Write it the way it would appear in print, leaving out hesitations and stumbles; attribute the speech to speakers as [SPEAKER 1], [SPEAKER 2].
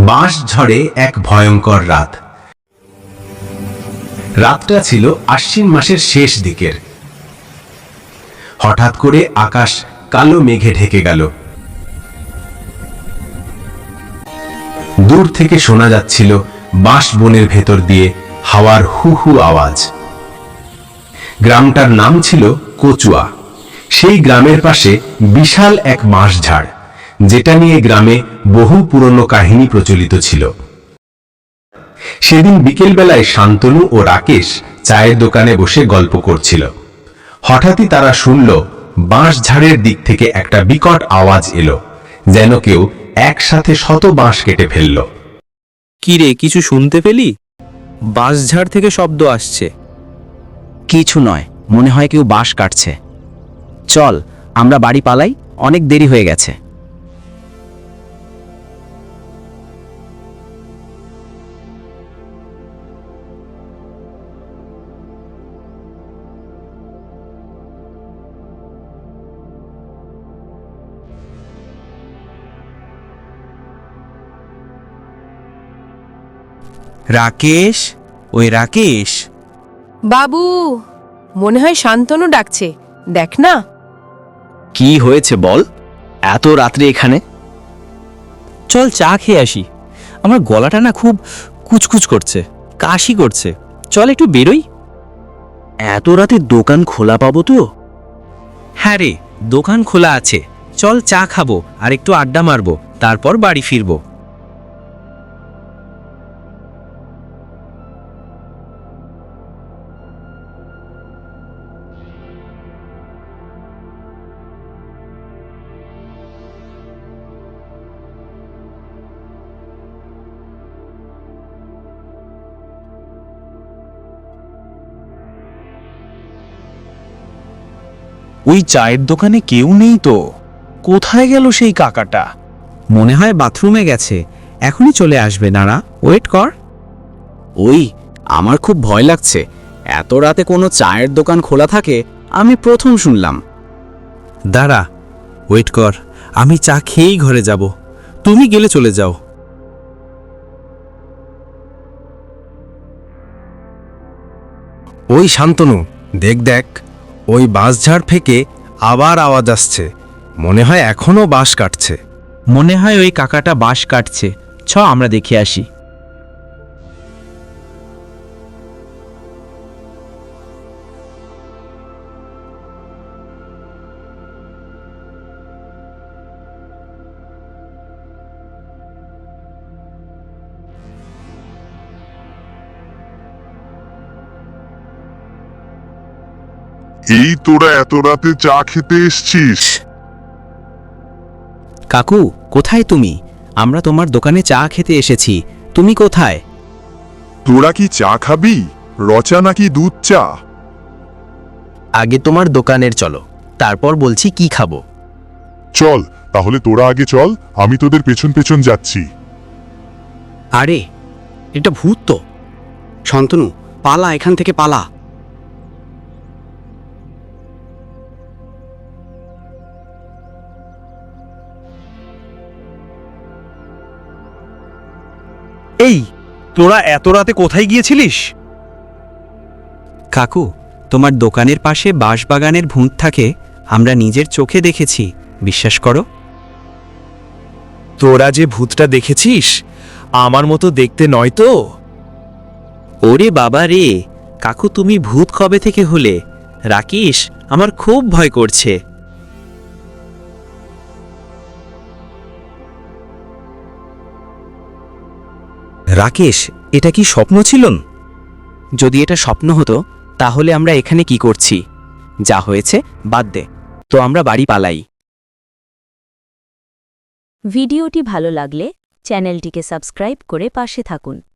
[SPEAKER 1] বাঁশ ঝড়ে এক ভয়ঙ্কর রাত। রাতটা ছিল আশ্বিন মাসের শেষ দিকের। হঠাৎ করে আকাশ কালো মেঘে ঢেকে গেল। দূর থেকে শোনা যাচ্ছিল বাঁশ বনের ভেতর দিয়ে হাওয়ার হু হু আওয়াজ। গ্রামটার নাম ছিল কচুয়া। সেই গ্রামের পাশে বিশাল এক বাঁশঝাড়, যেটা নিয়ে গ্রামে বহু পুরনো কাহিনী প্রচলিত ছিল। সেদিন বিকেলবেলায় শান্তনু ও রাকেশ চায়ের দোকানে বসে গল্প করছিল। হঠাৎই তারা শুনল বাঁশঝাড়ের দিক থেকে একটা বিকট আওয়াজ এলো, যেন কেউ একসাথে শত বাঁশ কেটে ফেলল।
[SPEAKER 2] কি রে, কিছু শুনতে পেলি? বাঁশঝাড় থেকে শব্দ আসছে।
[SPEAKER 3] কিছু নয়, মনে হয় কেউ বাঁশ কাটছে। চল আমরা বাড়ি পালাই, অনেক দেরি হয়ে গেছে।
[SPEAKER 2] রাকেশ, ওই রাকেশ।
[SPEAKER 4] বাবু, মনে হয় শান্তনু ডাকছে, দেখ না।
[SPEAKER 3] কি হয়েছে বল, এত রাত্রে এখানে?
[SPEAKER 2] চল চা খেয়ে আসি। আমার গলাটা না খুব কুচকুচ করছে, কাশি করছে। চল একটু বেরোই।
[SPEAKER 3] এত রাতে দোকান খোলা পাবো তো?
[SPEAKER 2] হ্যাঁ রে, দোকান খোলা আছে। চল চা খাবো আর একটু আড্ডা মারবো, তারপর বাড়ি ফিরবো। ওই চায়ের দোকানে কেউ নেই তো। কোথায় গেল সেই কাকাটা? মনে হয় বাথরুমে গেছে, এখনই চলে আসবে। নাড়া, ওয়েট কর।
[SPEAKER 3] ওই, আমার খুব ভয় লাগছে। এত রাতে কোনো চায়ের দোকান খোলা থাকে আমি প্রথম শুনলাম।
[SPEAKER 2] দাঁড়া, ওয়েট কর। আমি চা খেয়েই ঘরে যাব, তুমি গেলে চলে যাও।
[SPEAKER 5] ওই শান্তনু, দেখ দেখ, ওই বাঁশঝাড় থেকে আবার আওয়াজ আসছে। মনে হয় এখনো বাঁশ কাটছে।
[SPEAKER 2] মনে হয় ওই কাকাটা বাঁশ কাটছে। আমরা দেখে আসি।
[SPEAKER 6] এই তোরা এত রাতে চা খেতে এসছিস?
[SPEAKER 2] কাকু, কোথায় তুমি? আমরা তোমার দোকানে চা খেতে এসেছি, তুমি কোথায়?
[SPEAKER 6] তোরা কি চা খাবি, রচা নাকি দুধ চা?
[SPEAKER 5] আগে তোমার দোকানের চলো, তারপর বলছি কি খাবো।
[SPEAKER 6] চল তাহলে তোরা আগে চল, আমি তোদের পেছন পেছন যাচ্ছি।
[SPEAKER 3] আরে, এটা ভূত তো। শান্তনু, পালা, এখান থেকে পালা।
[SPEAKER 5] এই, তোরা এত রাতে কোথায় গিয়েছিলিস?
[SPEAKER 2] কাকু, তোমার দোকানের পাশে বাঁশবাগানের ভূত থাকে, আমরা নিজের চোখে দেখেছি, বিশ্বাস করো।
[SPEAKER 5] তোরা যে ভূতটা দেখেছিস আমার মতো দেখতে নয় তো?
[SPEAKER 2] ওরে বাবা রে, কাকু তুমি ভূত কবে থেকে হলে? রাকেশ, আমার খুব ভয় করছে।
[SPEAKER 5] রাকেশ, এটা কি স্বপ্ন ছিল?
[SPEAKER 3] যদি এটা স্বপ্ন হতো তাহলে আমরা এখানে কি করছি? যা হয়েছে বাদ দে, তো আমরা বাড়ি পালাই।
[SPEAKER 7] ভিডিওটি ভালো লাগলে চ্যানেলটিকে সাবস্ক্রাইব করে পাশে থাকুন।